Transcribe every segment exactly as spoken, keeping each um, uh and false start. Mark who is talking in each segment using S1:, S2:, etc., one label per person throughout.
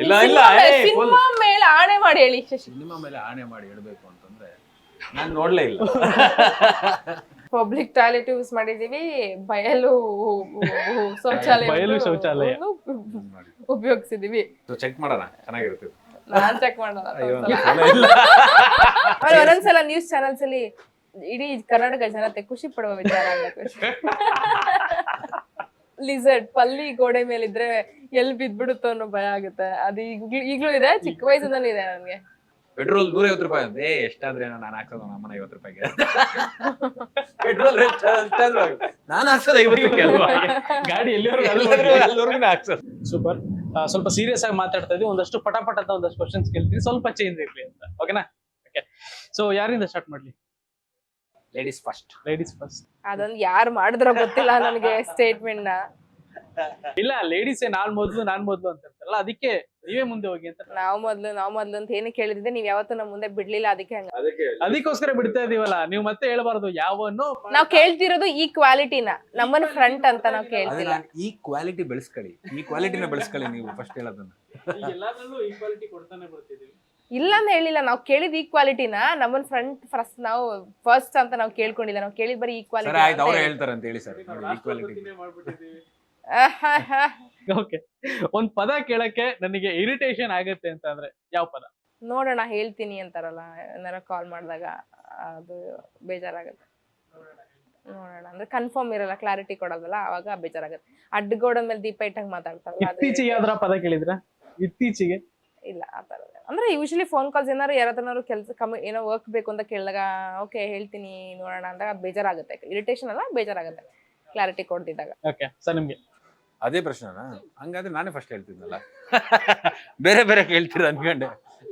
S1: ಇಲ್ಲ ಇಲ್ಲ
S2: ಸಿನಿಮಾ ಮೇಲೆ ಆಣೆ ಮಾಡಿ ಹೇಳಿ ಶಶಿ.
S1: ಸಿನಿಮಾ ಮೇಲೆ ಆಣೆ ಮಾಡಿ ಹೇಳ್ಬೇಕು ಅಂತಂದ್ರೆ ನಾನು ನೋಡ್ಲೇ ಇಲ್ಲ.
S2: ಪಬ್ಲಿಕ್ ಟಾಯ್ಲೆಟ್ ಯೂಸ್ ಮಾಡಿದೀವಿ, ಬಯಲು ಶೌಚಾಲಯ
S3: ಬಯಲು ಶೌಚಾಲಯ
S2: ಉಪಯೋಗಿಸಿದೀವಿ.
S1: ಚೆಕ್ ಮಾಡೋಣ, ಚೆನ್ನಾಗಿರುತ್ತೆ.
S2: ನಾನ್ ಚೆಕ್ ಮಾಡೋಣ.
S1: ಅಯ್ಯೋ ಇಲ್ಲ.
S2: ಆಮೇಲೆ ಒಂದೊಂದ್ಸಲ ನ್ಯೂಸ್ ಚಾನೆಲ್ಸ್ ಅಲ್ಲಿ ಇಡೀ ಕರ್ನಾಟಕ ಜನತೆ ಖುಷಿ ಪಡುವ ವಿಚಾರ ಆಗ್ಬೇಕು. ಲಿಸರ್ಟ್ ಪಲ್ಲಿ ಗೋಡೆ ಮೇಲಿದ್ರೆ ಎಲ್ಲಿ ಬಿದ್ಬಿಡುತ್ತೋ ಅನ್ನೋ ಭಯ ಆಗುತ್ತೆ. ಅದು ಈಗ್ಲೂ ಈಗ್ಲೂ ಇದೆ, ಚಿಕ್ಕ ವಯಸ್ಸಿನಲ್ಲಿ ಇದೆ ನನ್ಗೆ.
S1: ಪೆಟ್ರೋಲ್ ನೂರ ಐವತ್ತು ರೂಪಾಯಿ ಅಂತ. ಏ ಎಷ್ಟಾದ್ರೆ ನಾನು ಹಾಕ್ಸೋದು ನಮ್ಮನ ಐವತ್ತು ರೂಪಾಯಿಗೆ. ಪೆಟ್ರೋಲ್ ನಾನು ಹಾಕ್ಸೋದು ಐವತ್ತು ರೂಪಾಯಿ ಅಲ್ವಾ,
S3: ಗಾಡಿ
S1: ಎಲ್ಲಿವರೆಗೂ ಹಾಕ್ಸೋದು.
S3: ಸೂಪರ್. ಸ್ವಲ್ಪ ಸೀರಿಯಸ್ ಆಗಿ ಮಾತಾಡ್ತಾ ಇದೀವಿ, ಒಂದಷ್ಟು ಪಟಾಪಟ ಅಂತ ಒಂದಷ್ಟು ಕ್ವಶನ್ಸ್ ಕೇಳ್ತೀವಿ, ಸ್ವಲ್ಪ ಚೇಂಜ್ ಇರ್ಲಿ ಅಂತ. ಓಕೆನಾ? ಓಕೆ. ಸೊ ಯಾರಿಂದ ಸ್ಟಾರ್ಟ್ ಮಾಡ್ಲಿ?
S1: Ladies first.
S3: Ladies first.
S2: ಅದೊಂದು ಯಾರು ಮಾಡಿದ್ರೋ ಗೊತ್ತಿಲ್ಲ ನನಗೆ ಸ್ಟೇಟ್ಮೆಂಟ್ ನ.
S3: ಇಲ್ಲ, ಲೇಡೀಸ್ ನಾನ್ ಮೊದ್ಲು ನಾನ್ ಮೊದ್ಲು ಅಂತ ಇರ್ತಾರಲ್ಲ, ಅದಕ್ಕೆ ನೀವೇ ಮುಂದೆ ಹೋಗಿ ಅಂತ.
S2: ನಾವ್ ಮೊದ್ಲು ನಾವ್ ಮೊದ್ಲು ಅಂತ ಏನು ಕೇಳಿದ್ರೆ ನೀವ್ ಯಾವತ್ತೂ ನಮ್ ಮುಂದೆ ಬಿಡ್ಲಿಲ್ಲ, ಅದಕ್ಕೆ ಹಂಗ.
S3: ಅದಕ್ಕೋಸ್ಕರ ಬಿಡ್ತಾ ಇದೀವಲ್ಲ, ನೀವು ಮತ್ತೆ ಹೇಳ್ಬಾರ್ದು ಯಾವನ್ನೋ.
S2: ನಾವ್ ಕೇಳ್ತಿರೋದು ಈ ಕ್ವಾಲಿಟಿನ, ನಮ್ಮನ್ನ ಫ್ರಂಟ್ ಅಂತ ನಾವ್ ಕೇಳ್ತಿಲ್ಲ.
S1: ಈ ಕ್ವಾಲಿಟಿ ಬೆಳೆಸ್ಕೊಳ್ಳಿ, ಈ ಕ್ವಾಲಿಟಿನ ಬೆಳೆಸ್ಕೊಳ್ಳಿ ನೀವು ಫಸ್ಟ್ ಹೇಳೋದನ್ನ.
S3: ಎಲ್ಲಾದ್ರಲ್ಲೂ ಈಕ್ವಾಲಿಟಿ ಕೊಡ್ತಾನೆ ಬರ್ತಿದೀವಿ.
S2: ಇಲ್ಲ ಅಂತ ಹೇಳಿಲ್ಲ, ನಾವ್ ಕೇಳಿದ್ ಈಕ್ವಾಲಿಟಿನ ನಮ್ಮನ್ ಫ್ರಂಟ್ ಫಸ್ಟ್ ನಾವು ಫಸ್ಟ್ ಅಂತ ನಾವ್ ಕೇಳ್ಕೊಂಡಿಲ್ಲ. ನಾವ್ ಕೇಳಿದ್ ಬರೀ ಈಕ್ವಾಲಿಟಿ.
S1: ಆಯ್ತು, ಅವ್ರು ಹೇಳ್ತಾರೆ ಅಂತ ಹೇಳಿ ಸರ್. ಈಕ್ವಾಲಿಟಿ.
S3: ಓಕೆ. ಒಂದ್ ಪದ ಕೇಳಕ್ಕೆ ನನಗೆ ಇರಿಟೇಷನ್ ಆಗತ್ತೆ ಅಂತ ಅಂದ್ರೆ ಯಾವ ಪದ?
S2: ನೋಡೋಣ ಹೇಳ್ತೀನಿ ಅಂತಾರಲ್ಲ, ಏನಾರ ಕಾಲ್ ಮಾಡಿದಾಗ ಅದು ಬೇಜಾರಾಗತ್ತೆ. ನೋಡೋಣ ಅಂದ್ರೆ ಕನ್ಫರ್ಮ್ ಇರಲ್ಲ, ಕ್ಲಾರಿಟಿ ಕೊಡೋದಲ್ಲ, ಅವಾಗ ಬೇಜಾರಾಗತ್ತೆ. ಅಡ್ಡಗೋಡ ಮೇಲೆ ದೀಪ ಇಟ್ಟಂಗ್ ಮಾತಾಡ್ತಾರಲ್ಲ.
S3: ಇತ್ತೀಚೆಗೆ ಯಾವ್ದಾರ ಪದ ಕೇಳಿದ್ರ? ಇತ್ತೀಚೆಗೆ
S2: ಇಲ್ಲ ಆತರ. ಅಂದ್ರೆ ಯೂಶಲಿ ಫೋನ್ ಕಾಲ್ಸ್ ಏನಾರು ಯಾರತ್ರನಾರು ಕೆಲಸ ಕಮ್ಮಿ ಏನೋ ವರ್ಕ್ ಬೇಕು ಅಂತ ಕೇಳಿದಾಗ ಓಕೆ ಹೇಳ್ತೀನಿ ನೋಡೋಣ ಅಂದಾಗ ಬೇಜಾರಾಗುತ್ತೆ. ಇರಿಟೇಷನ್ ಅಲ್ಲ, ಬೇಜಾರಾಗುತ್ತೆ ಕ್ಲಾರಿಟಿ ಕೊಡ್ತಿದ್ದಾಗ.
S3: ಓಕೆ ಸರ್, ನಿಮ್ಗೆ
S1: ಅದೇ ಪ್ರಶ್ನೆನಾ? ಹಂಗಾದ್ರೆ ನಾನೇ ಫಸ್ಟ್ ಹೇಳ್ತಿದ್ನಲ್ಲ. ಬೇರೆ ಬೇರೆ ಕೇಳ್ತೀರ ಅನ್ಕೊಂಡೆ.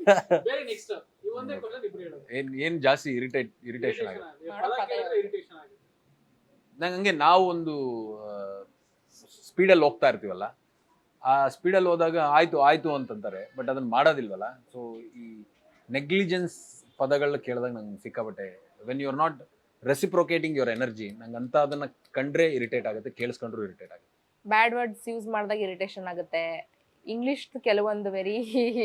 S1: ಏನ್ ಏನ್ ಜಾಸ್ತಿ ಇರಿಟೇಟ್ ಇರಿಟೇಷನ್ ಆಗುತ್ತೆ ನಂಗೆ. ಹಂಗೆ ನಾವು ಒಂದು ಸ್ಪೀಡಲ್ಲಿ ಹೋಗ್ತಾ ಇರ್ತೀವಲ್ಲ, ಆ ಸ್ಪೀಡಲ್ಲಿ ಹೋದಾಗ ಆಯ್ತು ಆಯ್ತು ಅಂತಂತಾರೆ, ಬಟ್ ಅದನ್ನ ಮಾಡೋದಿಲ್ವಲ್ಲ. ಸೊ ಈ ನೆಗ್ಲಿಜೆನ್ಸ್ ಪದಗಳನ್ನ ಕೇಳಿದಾಗ ನಂಗೆ ಸಿಕ್ಕಾಬಟ್ಟೆ, when you are not reciprocating your energy, ನಂಗೆ ಅಂತ ಅದನ್ನ ಕಂಡ್ರೆ ಇರಿಟೇಟ್ ಆಗುತ್ತೆ, ಕೇಳಿಸ್ಕೊಂಡ್ರು ಇರಿಟೇಟ್ ಆಗುತ್ತೆ.
S2: ಬ್ಯಾಡ್ ವರ್ಡ್ಸ್ ಯೂಸ್ ಮಾಡಿದಾಗ ಇರಿಟೇಷನ್ ಆಗುತ್ತೆ. ಇಂಗ್ಲಿಷ್ ಕೆಲವೊಂದು ವೆರಿ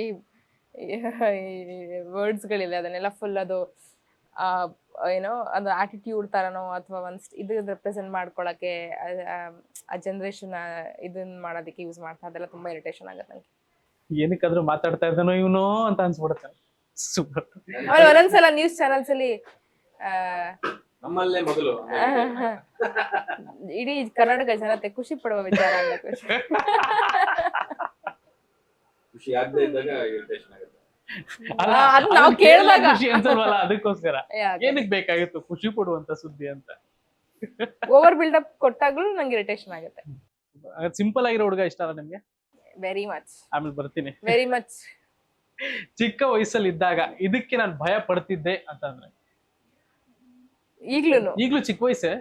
S2: ವರ್ಡ್ಸ್ಗಳಿದೆ, ಅದನ್ನೆಲ್ಲ ಫುಲ್ ಅದು ಏನೋ ಅದು ಆಟಿಟ್ಯೂಡ್ ತರನೋ ಅಥವಾ ಒಂದು ಇದು ರೆಪ್ರೆಸೆಂಟ್ ಮಾಡ್ಕೊಳಕ್ಕೆ ಆ ಜನ್ರೇಷನ್ ಇದನ್ನ ಮಾಡೋದಕ್ಕೆ ಯೂಸ್ ಮಾಡ್ತಾ, ಅದೆಲ್ಲ ತುಂಬಾ ಇರಿಟೇಷನ್ ಆಗುತ್ತೆ ನಂಗೆ.
S3: ಏನಕ್ಕಾದ್ರೂ ಮಾತಾಡ್ತಾ ಇದ್ದಾನೋ ಇವನು ಅಂತ ಅನ್ಸ್ಬಿಡುತ್ತೆ. ಸೂಪರ್.
S2: ಆಮೇಲೆ ಒಂದೊಂದ್ಸಲ ನ್ಯೂಸ್ ಚಾನೆಲ್ಸ್ ಅಲ್ಲಿ
S1: ನಮ್ಮಲ್ಲೇ ಮೊದಲು
S2: ಇಡೀ ಕರ್ನಾಟಕ ಜನತೆ ಖುಷಿ ಪಡುವ ವಿಚಾರ ಆಗ್ಬೇಕು.
S1: ಖುಷಿ ಆಗದೆ ಇದ್ದಾಗ ಇರಿಟೇಷನ್ ಆಗುತ್ತೆ.
S2: ಅದು ನಾವು ಕೇಳಿದಾಗ
S3: ಖುಷಿ ಅನ್ಸಲ್ವಲ್ಲ, ಅದಕ್ಕೋಸ್ಕರ ಏನಕ್ಕೆ ಬೇಕಾಗಿತ್ತು ಖುಷಿ ಪಡುವಂತ ಸುದ್ದಿ ಅಂತ.
S2: ಓವರ್ ಬಿಲ್ಡಪ್ ಕೊಟ್ಟಾಗ್ಲೂ ನಂಗೆ ಇರಿಟೇಷನ್ ಆಗುತ್ತೆ.
S3: ಸಿಂಪಲ್ ಆಗಿರೋ ಹುಡುಗ ಇಷ್ಟ ಅಲ್ಲ ನಿಮ್ಗೆ?
S2: Very much.
S3: ಆಮೇಲೆ ಬರ್ತೀನಿ.
S2: Very much.
S3: ಚಿಕ್ಕ ವಯಸ್ಸಲ್ಲಿ ಇದ್ದಾಗ ಇದಕ್ಕೆ ನಾನು ಭಯ ಪಡ್ತಿದ್ದೆ ಅಂತಂದ್ರೆ?
S2: ಈಗ್ಲೂನು
S3: ಈಗ್ಲೂ ಚಿಕ್ಕ ವಯಸ್ಸೇ,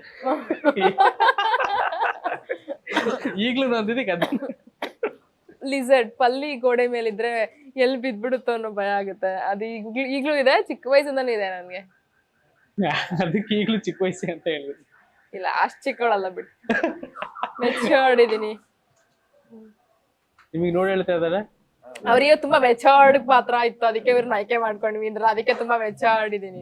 S3: ಈಗ್ಲೂ ಅಂದಿದ್ದಕ್ಕೆ ಅದ
S2: ಲಿಸರ್ಟ್ ಪಲ್ಲಿ ಗೋಡೆ ಮೇಲಿದ್ರೆ ಎಲ್ಲಿ ಬಿದ್ಬಿಡುತ್ತೋ ಅನ್ನೋ ಭಯ ಆಗುತ್ತೆ. ಅದು ಈಗ್ಲೂ ಈಗ್ಲೂ ಇದೆ, ಚಿಕ್ಕ ವಯಸ್ಸಿಂದನೂ ಇದೆ ನನ್ಗೆ.
S3: ಅದಕ್ಕೆ ಈಗ್ಲೂ ಚಿಕ್ಕ ವಯಸ್ಸೇ ಅಂತ ಹೇಳಿದ್ರು.
S2: ಇಲ್ಲ ಅಷ್ಟ್ ಚಿಕ್ಕವಳಲ್ಲ ಬಿಟ್ಟು, ಮೆಚೂರ್ಡ್ ಇದೀನಿ.
S3: ನಿಮಗೆ ನೋಡಿ ಹೇಳ್ತಾ ಇದ್ದಾರೆ
S2: ಅವ್ರಿಗೆ ತುಂಬಾ ಮೆಚೂರ್ಡ್ ಪಾತ್ರ ಇತ್ತು, ಅದಕ್ಕೆ ಇವ್ರನ್ನ ಆಯ್ಕೆ ಮಾಡ್ಕೊಂಡ್ವಿ ಅಂದ್ರೆ, ಅದಕ್ಕೆ ತುಂಬಾ ಮೆಚೂರ್ಡ್ ಇದೀನಿ.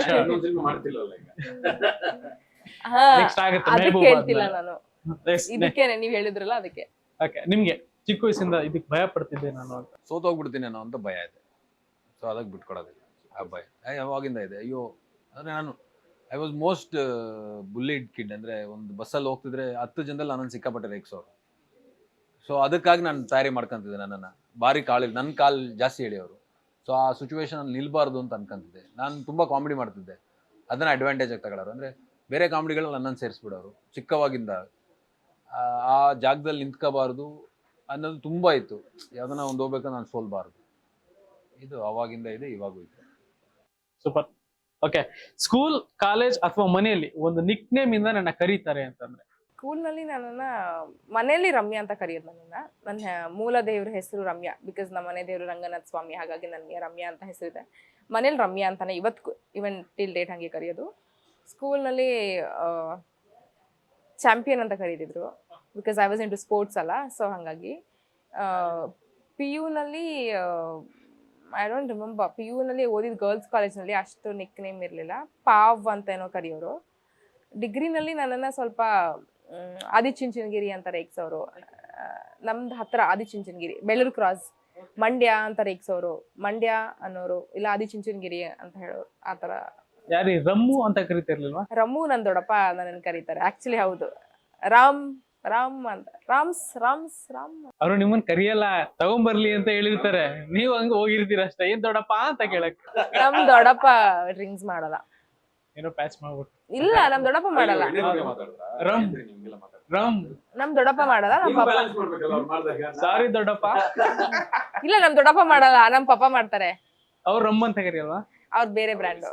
S2: ಅದಕ್ಕೆ ಹೇಳ್ತಿಲ್ಲ ನಾನು, ಇದಕ್ಕೆ ನೀವ್ ಹೇಳಿದ್ರಲ್ಲ ಅದಕ್ಕೆ.
S3: ನಿಮ್ಗೆ ಚಿಕ್ಕ ವಯಸ್ಸಿಂದ ಇದಕ್ಕೆ ಭಯ ಪಡ್ತಿದ್ದೆ ನಾನು ಅಂತ?
S1: ಸೋತೋಗ್ಬಿಡ್ತೀನಿ ಅನ್ನೋ ಅಂತ ಭಯ ಇದೆ. ಸೊ ಅದಕ್ಕೆ ಬಿಟ್ಕೊಡೋದಿಲ್ಲ ಆ ಭಯ. ಯಾವಾಗಿಂದ ಇದೆ. ಅಯ್ಯೋ ಅಂದ್ರೆ ನಾನು I was most bullied kid. ಅಂದ್ರೆ ಒಂದು ಬಸ್ಸಲ್ಲಿ ಹೋಗ್ತಿದ್ರೆ ಹತ್ತು ಜನದಲ್ಲಿ ನನ್ನನ್ನು ಸಿಕ್ಕಾಪಟ್ಟೆ ರೇಗ್ಸೋರು. ಸೊ ಅದಕ್ಕಾಗಿ ನಾನು ತಯಾರಿ ಮಾಡ್ಕೊಂತಿದ್ದೆ ನನ್ನನ್ನು. ಭಾರಿ ಕಾಳಿ ನನ್ನ ಕಾಲು ಜಾಸ್ತಿ ಹೇಳಿಯವರು. ಸೊ ಆ ಸಿಚುವೇಶನ್ ಅಲ್ಲಿ ನಿಲ್ಬಾರ್ದು ಅಂತ ಅನ್ಕೊಂತಿದ್ದೆ. ನಾನು ತುಂಬ ಕಾಮಿಡಿ ಮಾಡ್ತಿದ್ದೆ, ಅದನ್ನು ಅಡ್ವಾಂಟೇಜ್ ಆಗಿ ತಗೊಳ್ಳೋರು. ಅಂದರೆ ಬೇರೆ ಕಾಮಿಡಿಗಳು ನನ್ನನ್ನು ಸೇರಿಸ್ಬಿಡೋರು. ಚಿಕ್ಕವಾಗಿಂದ ಆ ಜಾಗದಲ್ಲಿ ನಿಂತ್ಕೋಬಾರ್ದು ಅನ್ನೋದು ತುಂಬ ಇತ್ತು. ಯಾವ್ದನ್ನ ಒಂದು ಹೋಗ್ಬೇಕು ನಾನು ಸೋಲ್ಬಾರ್ದು. ಇದು ಅವಾಗಿಂದ ಇದೆ, ಇವಾಗೂ ಇದೆ.
S3: ಸೂಪರ್. ಓಕೆ. ಸ್ಕೂಲ್, ಕಾಲೇಜ್ ಅಥವಾ ಮನೆಯಲ್ಲಿ ಒಂದು ನಿಕ್ ನೇಮ್ ಇಂದ ನನ್ನ ಕರೀತಾರೆ ಅಂತಂದ್ರೆ?
S2: ಸ್ಕೂಲ್ನಲ್ಲಿ ನನ್ನನ್ನ ಮನೆಯಲ್ಲಿ ರಮ್ಯಾ ಅಂತ ಕರೆಯೋದು. ನನ್ನನ್ನ ನನ್ನ ಮೂಲ ದೇವ್ರ ಹೆಸರು ರಮ್ಯಾ, ಬಿಕಾಸ್ ನಮ್ಮ ಮನೆ ದೇವರು ರಂಗನಾಥ ಸ್ವಾಮಿ, ಹಾಗಾಗಿ ನನಗೆ ರಮ್ಯಾ ಅಂತ ಹೆಸರಿದೆ. ಮನೇಲಿ ರಮ್ಯಾ ಅಂತಾನೆ ಇವತ್ತು ಇವನ್ ಟಿಲ್ ಡೇಟ್ ಹಂಗೆ ಕರೆಯೋದು. ಸ್ಕೂಲ್ನಲ್ಲಿ ಚಾಂಪಿಯನ್ ಅಂತ ಕರೀತಿದ್ರು, because I was into sports ಅಲ್ಲ. ಸೊ ಹಾಗಾಗಿ ಪಿ ಯುನಲ್ಲಿ ಐ ಡೋಂಟ್ ರಿಮೆಂಬರ್, ಪಿ ಯುನಲ್ಲಿ ಓದಿದ ಗರ್ಲ್ಸ್ ಕಾಲೇಜ್ನಲ್ಲಿ ಅಷ್ಟು ನಿಕ್ ನೇಮ್ ಇರಲಿಲ್ಲ, ಪಾವ್ ಅಂತ ಏನೋ ಕರೆಯೋರು. ಡಿಗ್ರಿನಲ್ಲಿ ನನ್ನನ್ನು ಸ್ವಲ್ಪ ಮ್, ಆದಿಚುಂಚನಗಿರಿ ಅಂತ ರೇಗ್ಸೋರು. ನಮ್ದು ಹತ್ರ ಆದಿಚುಂಚನಗಿರಿ, ಬೆಳ್ಳೂರು ಕ್ರಾಸ್, ಮಂಡ್ಯ ಅಂತ ರೇಗ್ಸೋರು, ಮಂಡ್ಯ ಅನ್ನೋರು, ಇಲ್ಲ ಆದಿಚುಂಚನಗಿರಿ ಅಂತ ಹೇಳೋರು, ಆ ಥರ.
S3: ಯಾರಿ ರಮ್ಮು ಅಂತ ಕರಿತಿರ್ಲಿಲ್ವಾ?
S2: ರಮು ನನ್ ದೊಡ್ಡಪ್ಪ ನನ್ನನ್ನು ಕರೀತಾರೆ. ಆಕ್ಚುಲಿ ಹೌದು, ರಾಮ್ ರಾಮ್ ಅಂತ, ರಾಮ್ಸ್ ರಾಮ್ಸ್ ರಾಮ್.
S3: ಅವ್ರು ನಿಮ್ಮನ್ ಕರಿಯಲ್ಲ, ತಗೊಂಬರ್ಲಿ ಅಂತ ಹೇಳಿರ್ತಾರೆ, ನೀವ್ ಹಂಗ ಹೋಗಿರ್ತೀರ ಅಷ್ಟೇ. ಏನ್ ದೊಡ್ಡಪ್ಪ ಅಂತ ಕೇಳಕ್.
S2: ನಮ್ ದೊಡ್ಡಪ್ಪ ಡ್ರಿಂಕ್ಸ್ ಮಾಡಲ್ಲ.
S3: ಏನೋ ಪ್ಯಾಚ್ ಮಾಡ್ಬಿಟ್ಟು.
S2: ಇಲ್ಲ, ನಮ್ ದೊಡ್ಡಪ್ಪ ಮಾಡಲ್ಲ.
S3: ರಮ್ ರಮ್
S2: ನಮ್ ದೊಡ್ಡಪ್ಪ ಮಾಡಲ್ಲ, ನಮ್ ಪಾಪ.
S3: ಸಾರಿ ದೊಡ್ಡಪ್ಪ.
S2: ಇಲ್ಲ, ನಮ್ ದೊಡ್ಡಪ್ಪ ಮಾಡಲ್ಲ, ನಮ್ ಪಾಪ ಮಾಡ್ತಾರೆ.
S3: ಅವ್ರು ರಮ್ ಅಂತ ಕರಿಯಲ್ವಾ?
S2: ಅವ್ರ ಬೇರೆ ಬ್ರ್ಯಾಂಡು.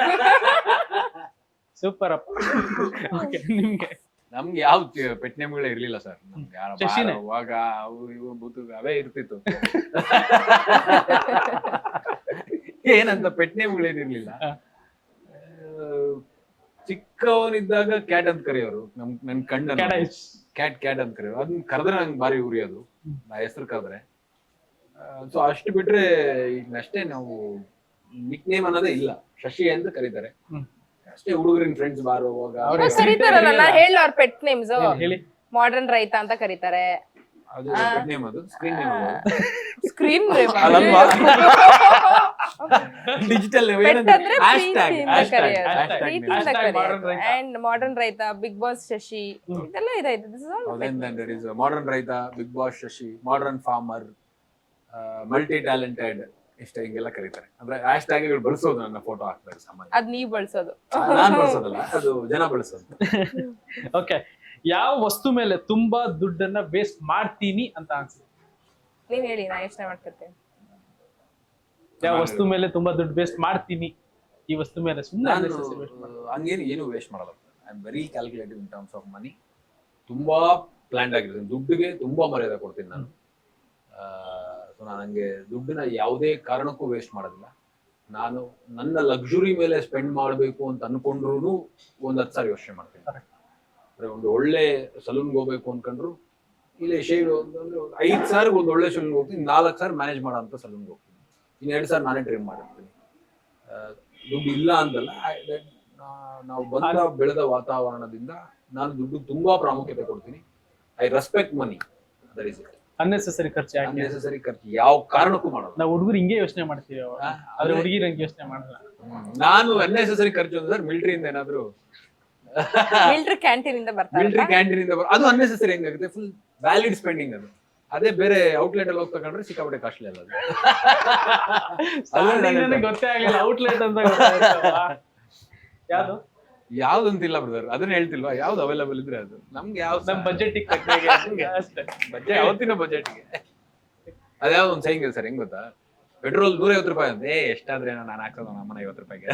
S3: ಸೂಪರ್ ಅಪ್ಪ. ಓಕೆ, ನಿಮ್ಗೆ
S1: ನಮ್ಗೆ ಯಾವ ಪೆಟ್ ನೇಮ್ಗಳೇ ಇರ್ಲಿಲ್ಲ ಸರ್. ನಮ್ಗೆ ಯಾರ
S3: ಶಶಿನೇ?
S1: ಅವಾಗ ಅವು ಇವು ಬೂತು ಅವೇ ಇರ್ತಿತ್ತು. ಏನಂತ ಪೆಟ್ ನೇಮ್ಗಳೇನಿರ್ಲಿಲ್ಲ.
S3: ಹ.
S1: ಚಿಕ್ಕವನಿದ್ದಾಗ ಕ್ಯಾಟ್ ಅಂತ ಕರೆಯೋರು. ನಮ್ ನನ್ ಕಣ್ಣ
S3: ಕ್ಯಾಡೈಸ್.
S1: ಕ್ಯಾಟ್ ಕ್ಯಾಟ್ ಅಂತ ಕರೆಯೋರು. ಅದನ್ನ ಕರೆದ್ರೆ ನಂಗೆ ಭಾರಿ ಉರಿಯೋದು, ನಾ ಹೆಸರು ಕರೆದ್ರೆ. ಸೊ ಅಷ್ಟು ಬಿಟ್ರೆ ಈಗ ಅಷ್ಟೇ, ನಾವು ನಿಕ್ ನೇಮ್ ಅನ್ನೋದೇ ಇಲ್ಲ. ಶಶಿ ಅಂತ ಕರೀತಾರೆ
S3: ಹ್ಮ್.
S1: ಅಷ್ಟೇ. ಹುಡುಗರಿನ ಫ್ರೆಂಡ್ಸ್ ಬಾರುವಾಗ
S3: ಅವ್ರ
S2: ಇವಾಗ
S3: ಹೆಸರು
S2: ಕರೀತಾರಲ್ಲ, ನಾ ಹೇಳ ಅವ್ರ ಪೆಟ್ ನೇಮ್ಸ್.
S3: ಹೇಳಿ.
S2: ಮಾಡರ್ನ್ ರೈತ ಅಂತ ಕರೀತಾರೆ.
S1: ಅದು ಪೆಟ್ ನೇಮ್, ಅದು ಸ್ಕ್ರೀನ್ ನೇಮ್.
S2: ಸ್ಕ್ರೀನ್
S1: ಅಲ್ಲಲ್ವಾ? ಡಿಜಿಟಲ್
S2: ಅಂದ್ರೆ
S1: ಹ್ಯಾಶ್ಟ್ಯಾಗ್
S2: ಪ್ರೀತಿಯಿಂದ
S3: hashtag,
S2: ಕರೆಯೋದು.
S3: hashtag.
S2: ಪ್ರೀತಿಯಿಂದ
S3: Hashtag
S2: ಕರೆಯೋದು.
S3: modern ರೈತ.
S2: And modern ರೈತ, ಬಿಗ್ ಬಾಸ್ ಶಶಿ, ಇದೆಲ್ಲ ಇದಾಯ್ತು. This is all pet.
S1: Modern ರೈತ, big boss Shashi, modern farmer, multi talented, ಇಷ್ಟ ಹಿಂಗೆಲ್ಲ ಕರೀತಾರೆ. ಅಂದ್ರೆ ಹ್ಯಾಶ್ ಟ್ಯಾಗ್ಗಳು ಬಳಸೋದು, ನನ್ನ ಫೋಟೋ ಹಾಕ್ತಾರೆ ಸಾಮಾನ್ಯ.
S2: ಅದ್ ನೀವ್ ಬಳಸೋದು.
S1: ನಾನ್ ಬಳಸೋದಲ್ಲ, ಅದು ಜನ ಬಳಸೋದು.
S3: ಓಕೆ, ಯಾವ ವಸ್ತು ಮೇಲೆ ತುಂಬಾ ದುಡ್ಡನ್ನ ವೇಸ್ಟ್ ಮಾಡ್ತೀನಿ ಅಂತ ಅನ್ಸುತ್ತೆ?
S2: ನೀವ್ ಹೇಳಿ, ನಾ ಯೋಚನೆ ಮಾಡ್ಕೊತೀನಿ.
S3: ಯಾವ ವಸ್ತು ಮೇಲೆ ತುಂಬಾ ದುಡ್ಡು ವೇಸ್ಟ್ ಮಾಡ್ತೀನಿ, ಈ ವಸ್ತು ಮೇಲೆ ಸುಮ್ಮನೆ
S1: ನಾನು ಹಂಗೇನು ಏನು ವೇಸ್ಟ್ ಮಾಡಲ್ಲ. I am very calculative in terms of money. ತುಂಬಾ ಪ್ಲಾನ್ಡ್ ಆಗಿರ್ತೀನಿ. ದುಡ್ಡಿಗೆ ತುಂಬಾ ಮರ್ಯಾದೆ ಕೊಡ್ತೀನಿ ನಾನು. ಸೊ ನಾನು ಹಂಗೆ ದುಡ್ಡನ್ನ ಯಾವುದೇ ಕಾರಣಕ್ಕೂ ವೇಸ್ಟ್ ಮಾಡೋದಿಲ್ಲ. ನಾನು ನನ್ನ ಲಕ್ಸುರಿ ಮೇಲೆ ಸ್ಪೆಂಡ್ ಮಾಡಬೇಕು ಅಂತ ಅನ್ಕೊಂಡ್ರು ಒಂದ್ ಹತ್ತು ಸಾವಿರ ಯೋಚನೆ ಮಾಡ್ತೀನಿ. ಅಂದ್ರೆ ಒಂದು ಒಳ್ಳೆ ಸಲೂನ್ಗೆ ಹೋಗ್ಬೇಕು ಅನ್ಕೊಂಡ್ರು, ಇಲ್ಲಿ ಶೇಡ್ ಅಂತಂದ್ರೆ ಐದ್ ಸಾವಿರ ಒಂದು ಒಳ್ಳೆ ಸಲೂನ್ಗೆ ಹೋಗ್ತೀನಿ, ನಾಲ್ಕು ಸಾವಿರ ಮ್ಯಾನೇಜ್ ಮಾಡೋ ಅಂತ ಸಲೂನ್ಗೆ ಹೋಗ್ತೀನಿ, ಇನ್ನು ಎರಡು ಸಾವಿರ ನಾನೇ ಟ್ರಿಮ್ ಮಾಡಿರ್ತೀನಿ. ದುಡ್ಡು ಇಲ್ಲ ಅಂತಲ್ಲ, ನಾವು ಬಂದ ಬೆಳೆದ ವಾತಾವರಣದಿಂದ ನಾನು ದುಡ್ಡು ತುಂಬಾ ಪ್ರಾಮುಖ್ಯತೆ ಕೊಡ್ತೀನಿ. I respect money. That is it.
S3: Unnecessary ಖರ್ಚು ಯಾಕೆ?
S1: ಅನ್ನೆಸೆಸರಿ ಖರ್ಚು ಯಾವ ಕಾರಣಕ್ಕೂ ಮಾಡೋದು.
S3: ನಾವು ಹುಡುಗರು ಹಿಂಗೆ ಯೋಚನೆ ಮಾಡ್ತೀವಿ,
S1: ಆ,
S3: ಆದ್ರೆ ಹುಡುಗಿರು ಹಂಗೆ ಯೋಚನೆ ಮಾಡಲ್ಲ.
S1: ನಾನು ಅನ್ನೆಸೆಸರಿ ಖರ್ಚು ಅಂದ್ರೆ ಮಿಲಿಟರಿಯಿಂದ ಏನಾದ್ರು
S2: ಮಿಲ್ಟ್ರಿ ಕ್ಯಾಂಟೀನ್ ಇಂದ ಬರ್ತಾರೆ.
S1: ಮಿಲಿಟರಿ ಕ್ಯಾಂಟೀನ್ ಇಂದ ಬರೋ- ಅದು ಅನ್ನೆಸೆಸರಿ ಹೆಂಗಾಗುತ್ತೆ, ಫುಲ್ ವ್ಯಾಲಿಡ್ ಸ್ಪೆಂಡಿಂಗ್ ಅದು. ಅದೇ ಬೇರೆ ಔಟ್ಲೆಟ್ ಅಲ್ಲಿ ಹೋಗಿ ತಗೊಂಡ್ರೆ ಸಿಕ್ಕಾಪಟ್ಟೆ ಕಾಸ್ಟ್ಲಿ ಅಲ್ಲ ಅದು.
S3: Starting ನನಗೆ ಗೊತ್ತೇ ಆಗಿಲ್ಲ ಔಟ್ಲೆಟ್ ಅಂತ ಗೊತ್ತಾಯ್ತಲ್ವಾ? ಯಾವ್ದು
S1: ಯಾವ್ದಂತಿಲ್ಲ ಬ್ರದರ್, ಅದನ್ನ ಹೇಳ್ತಿಲ್ವಾ, ಯಾವ್ದು ಅವೈಲೇಬಲ್ ಇದ್ರೆ ಅದು ನಮ್ಗೆ ಯಾವ
S3: ನಮ್ ಬಜೆಟ್ ಅಷ್ಟೇ.
S1: ಬಜೆಟ್ ಯಾವತ್ತಿನ ಬಜೆಟ್ಗೆ. ಅದ್ಯಾವ್ದು ಒಂದು ಸೈಂಗ್ ಸರ್, ಹೆಂಗ್ ಗೊತ್ತಾ, ಪೆಟ್ರೋಲ್ ನೂರ ಐವತ್ತು ರೂಪಾಯಿ ಅಂತ, ಏ ಎಷ್ಟಾದ್ರೆ ನಾನು ಹಾಕ್ಸೋದು ನಮ್ಮನ ಐವತ್ತು ರೂಪಾಯಿಗೆ.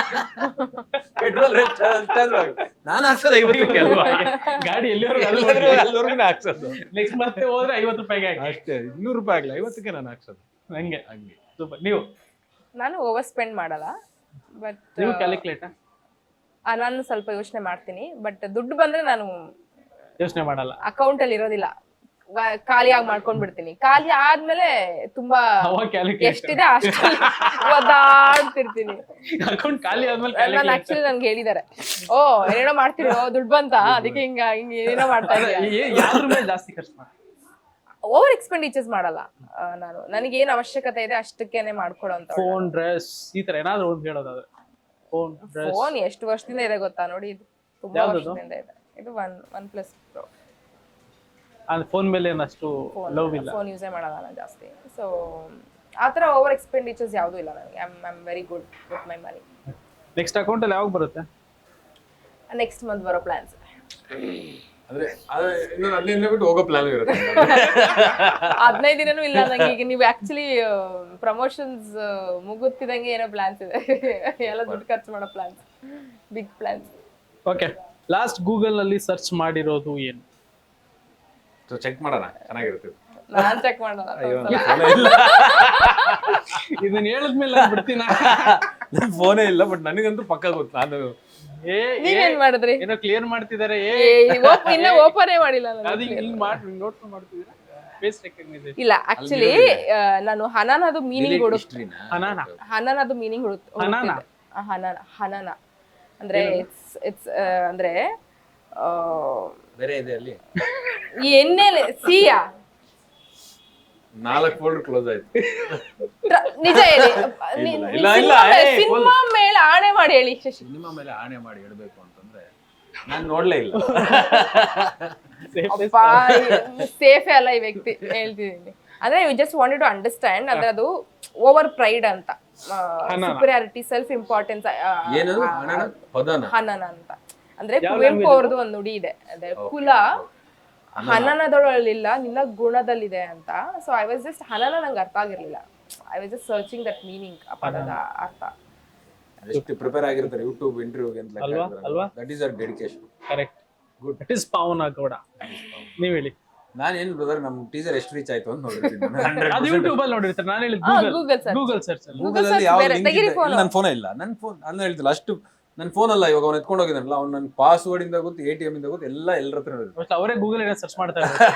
S1: ಪೆಟ್ರೋಲ್ ನಾನು ಹಾಕ್ಸೋದು ಐವತ್ತು ರೂಪಾಯಿ ಅಲ್ವಾ,
S3: ಗಾಡಿ
S1: ಎಲ್ಲರಿಗೂ
S3: ಎಲ್ಲಿವರೆಗೂ
S1: ಹಾಕ್ಸೋದು.
S3: ನೆಕ್ಸ್ಟ್ ಮತ್ತೆ ಹೋದ್ರೆ ಐವತ್ತು ರೂಪಾಯಿಗೆ ಹಾಕಿ.
S1: ಅಷ್ಟೇ, ಇನ್ನೂರು ರೂಪಾಯಿ ಆಗ್ಲಿ, ಐವತ್ತಕ್ಕೆ ನಾನು ಹಾಕ್ಸೋದು.
S3: ಹಂಗೆ
S1: ಹಂಗೆ
S3: ಸೂಪರ್. ನೀವು
S2: ನಾನು ಓವರ್ ಸ್ಪೆಂಡ್ ಮಾಡಲ್ಲ, ಬಟ್
S3: ನೀವು ಕ್ಯಾಲ್ಕುಲೇಟ್
S2: ನಾನು ಸ್ವಲ್ಪ ಯೋಚನೆ ಮಾಡ್ತೀನಿ. ಬಟ್ ದುಡ್ಡು ಬಂದ್ರೆ ನಾನು
S3: ಯೋಚನೆ ಮಾಡಲ್ಲ,
S2: ಅಕೌಂಟ್ ಅಲ್ಲಿ ಇರೋದಿಲ್ಲ, ವ- ಖಾಲಿಯಾಗಿ ಮಾಡ್ಕೊಂಡ್ ಬಿಡ್ತೀನಿ. ಖಾಲಿ ಆದ್ಮೇಲೆ ತುಂಬಾ
S3: ಅವಾಗ ಕ್ಯಾಲ್ಕುಲೇಟ್.
S2: ಎಷ್ಟಿದೆ ಅಷ್ಟು ಒದಾಡ್ತಿರ್ತೀನಿ.
S3: ಅಕೌಂಟ್ ಖಾಲಿ ಆದ್ಮೇಲೆ
S2: ನಾನು
S3: ಕ್ಯಾಲ್ಕುಲೇಟ್.
S2: ಆಕ್ಚುಲಿ ನನ್ಗೆ ಹೇಳಿದಾರೆ, ಓ ಏನೇನೋ ಮಾಡ್ತೀರಿ, ಓ ದುಡ್ಡು ಬಂತ ಅದಕ್ಕೆ ಹಿಂಗ ಹಿಂಗ ಏನೇನೋ ಮಾಡ್ತಾ ಇದೀಯ.
S3: ಯಾವ್ದ್ರ ಮೇಲೆ ಜಾಸ್ತಿ ಖರ್ಚು ಮಾಡಿ?
S2: ಓವರ್ ಎಕ್ಸ್ಪೆಂಡಿಚರ್ಸ್ ಮಾಡಲ್ಲ ಆ, ನಾನು. ನನಗೆ ಏನ್ ಅವಶ್ಯಕತೆ ಇದೆ ಅಷ್ಟಕ್ಕೇನೆ ಮಾಡ್ಕೊಡೋ ಅಂತ.
S3: ಫೋನ್, ಡ್ರೆಸ್, ಈ ತರ ಏನಾದ್ರು ಒಂದು ಹೇಳೋದಾದ್ರೆ. Phone, dress.
S2: ಫೋನ್ ಎಷ್ಟು ವರ್ಷದಿಂದ ಇದೆ ಗೊತ್ತಾ ನೋಡಿ, ಇದು ತುಂಬಾ
S3: ಯಾವ್ದದು?
S2: ವರ್ಷದಿಂದ ಇದೆ. ಇದು ಒನ್ ಒನ್ ಪ್ಲಸ್ ಪ್ರೋ.
S3: ಅಂದ್ರೆ ಫೋನ್ ಮೇಲೆ ಏನಷ್ಟು ಲವ್ ಇಲ್ಲ.
S2: ಫೋನ್ ಯೂಸೇ ಮಾಡಲ್ಲ ನಾನು ಜಾಸ್ತಿ. ಸೊ ಆತರ ಓವರ್ ಎಕ್ಸ್ಪೆಂಡಿಚರ್ಸ್ ಯಾವ್ದು ಇಲ್ಲ ನನಗೆ. I am very good with my money.
S3: Next account ಅಲ್ಲಿ ಯಾವಾಗ ಬರುತ್ತೆ?
S2: ನೆಕ್ಸ್ಟ್ ಮಂತ್ ಬರೋ ಪ್ಲಾನ್ಸ್.
S1: ಅಂದ್ರೆ ಇನ್ನೊಂದು ಹದಿನೈದು ದಿನ ಬಿಟ್ಟು ಹೋಗೋ ಪ್ಲಾನ್ ಇರುತ್ತೆ.
S2: ಹದಿನೈದು ದಿನನೂ ಇಲ್ಲ ನಂಗೆ. ಈಗ ನೀವು ಆಕ್ಚುಲಿ ಪ್ರಮೋಷನ್ಸ್ ಮುಗುತ್ತಿದಂಗೆ ಏನೋ ಪ್ಲಾನ್ಸ್ ಇದೆ. ಎಲ್ಲ ದುಡ್ಡು ಖರ್ಚು ಮಾಡೋ plans, big plans.
S3: Okay, last Google ನಲ್ಲಿ ಸರ್ಚ್ ಮಾಡಿರೋದು ಏನು?
S1: ಸೊ ಚೆಕ್ ಮಾಡೋಣ, ಚೆನ್ನಾಗಿರುತ್ತೆ.
S2: ನಾನ್ ಚೆಕ್ ಮಾಡಲ್ಲ.
S3: ಇದನ್ನ ಹೇಳಿದ್ಮೇಲೆ ಬಿಡ್ತೀನ.
S1: ನನ್ ಫೋನೇ ಇಲ್ಲ, ಬಟ್ ನನಗಂತೂ ಪಕ್ಕ ಗೊತ್ತು. ನಾನು
S3: ಏ
S2: ನೀವೇನ್ ಮಾಡಿದ್ರಿ?
S3: ಏನೋ ಕ್ಲಿಯರ್ ಮಾಡ್ತಿದ್ದಾರೆ. ಏ
S2: ಏ, ಓಪ್- ಇನ್ನ ಓಪನೇ ಮಾಡಿಲ್ಲ ನಾನು.
S3: ಅದು ಹಿಂಗ್ ಮಾಡಿ ನೋಟ್ಸ್ ಮಾಡ್ತಿದ್ದೀರಾ? Face recognisation.
S2: ಇಲ್ಲ ಆಕ್ಚುಲಿ ನಾನು ಹನನದು ಮೀನಿಂಗ್ ಹುಡುಕ್
S1: ಹಿಸ್ಟ್ರಿನ
S3: ಹನಾನ
S2: ಹನನದು ಮೀನಿಂಗ್ ಹುಡುಕ್
S3: ಹನಾನ?
S2: ಹನನ ಹನನ ಅಂದ್ರೆ ಇಟ್ಸ್ ಇಟ್ಸ್ ಅಂದ್ರೆ ಆ,
S1: ಬೇರೆ ಇದೆ ಅಲ್ಲಿ
S2: ಈ ಎಣ್ಣೆಲೆ ಸಿಯಾ
S1: ನಾಲ್ಕು ಫೋಲ್ಡರ್ ಕ್ಲೋಸ್ ಆಯ್ತು.
S2: ಟ್ರ- ನಿಜ ಹೇಳಿ
S1: ಇಲ್ಲ, ಇಲ್ಲ, ಇಲ್ಲ, ಏ,
S2: ಸಿನಿಮಾ ಮೇಲೆ ಆಣೆ ಮಾಡಿ ಹೇಳಿ ಶಶಿ.
S1: ಸಿನಿಮಾ ಮೇಲೆ ಆಣೆ ಮಾಡಿ ಇಡಬೇಕು ಅಂತಂದ್ರೆ ನಾನು ನೋಡ್ಲೇ ಇಲ್ಲ.
S2: ಅಪ್ಪ ಸೇಫೇ ಅಲ್ಲ ಈ ವ್ಯಕ್ತಿ ಹೇಳ್ತಿದ್ದೀನಿ. ಅಂದ್ರೆ you just wanted to understand ಅಂದ್ರೆ ಅದು ಓವರ್ ಪ್ರೈಡ್ ಅಂತ, ಸುಪೀರಿಯಾರಿಟಿ, ಸೆಲ್ಫ್ ಇಂಪಾರ್ಟೆನ್ಸ್,
S1: ಏನದು ಹಣನ ಪದನ
S2: ಹನನ ಅಂತ. ಅಂದ್ರೆ ಕುವೆಂಪು ಅವ್ರದ್ದು ಒಂದು ನುಡಿ ಇದೆ, ಅದೇ ಕುಲ ಹನನದೊಳಲಿಲ್ಲ ನಿನ್ನ ಗುಣದಲ್ಲಿದೆ ಅಂತ. ಸೊ ಐ ವಾಸ್ ಜಸ್ಟ್ ಹನನ ನಂಗೆ ಅರ್ಥ ಆಗಿರ್ಲಿಲ್ಲ. I was just searching that meaning, ಆ ಪದದ ಅರ್ಥ.
S1: ಎಷ್ಟು ಪ್ರಿಪೇರ್ ಆಗಿರ್ತಾರೆ ಯೂಟ್ಯೂಬ್ ಇಂಟರ್ವ್ಯೂಗೆ ಅಂತ
S3: ಅಲ್ವಾ? ಅಲ್ವಾ?
S1: That is our dedication.
S3: Correct, good. It is Pavana Gowda. ನೀವ್ ಹೇಳಿ.
S1: ನಾನು ಏನು ಬ್ರದರ್ ನಮ್ಮ ಟೀಸರ್ ಎಷ್ಟು ರೀಚ್ ಆಯ್ತು ಅಂತ ನೋಡಿರ್ತೀನಿ.
S3: ಅದು ಯೂಟ್ಯೂಬ್ ಅಲ್ಲಿ ನೋಡಿರ್ತಾರೆ. ನಾನು ಹೇಳಿದ್
S2: ಹಾ,
S3: Google
S2: Google search.
S3: Google search ಅಲ್ಲಿ.
S1: ಗೂಗಲ್ ಅಲ್ಲಿ
S2: search
S1: ಯಾವ
S2: ಬೇರೆ,
S1: ಲಿಂಕ್
S2: ತೆಗೀರಿ
S1: ಇದೆ
S2: phone.
S1: ನನ್ನ ಫೋನ್ ಇಲ್ಲ. ನನ್ನ ಫೋನ್ ನಾನು ಹೇಳ್ತಿಲ್ಲ ಅಷ್ಟು. ನನ್ನ ಫೋನ್ ಅಲ್ಲ, ಇವಾಗ ಅವ್ನು ಎತ್ಕೊಂಡು ಹೋಗಿದ್ದಾನಲ್ಲ, ಅವ್ನು ನನ್ನ ಪಾಸ್ವರ್ಡ್ ಇಂದ ಗೊತ್ತು, ಎ ಟಿ ಎಂ ಇಂದ ಗೊತ್ತು, ಎಲ್ಲ ಎಲ್ಲರ ಹತ್ರ ಇರುತ್ತೆ.
S3: But ಅವರೇ ಗೂಗಲ್ ಏನೋ ಸರ್ಚ್ ಮಾಡ್ತಾ ಇದ್ದಾರೆ.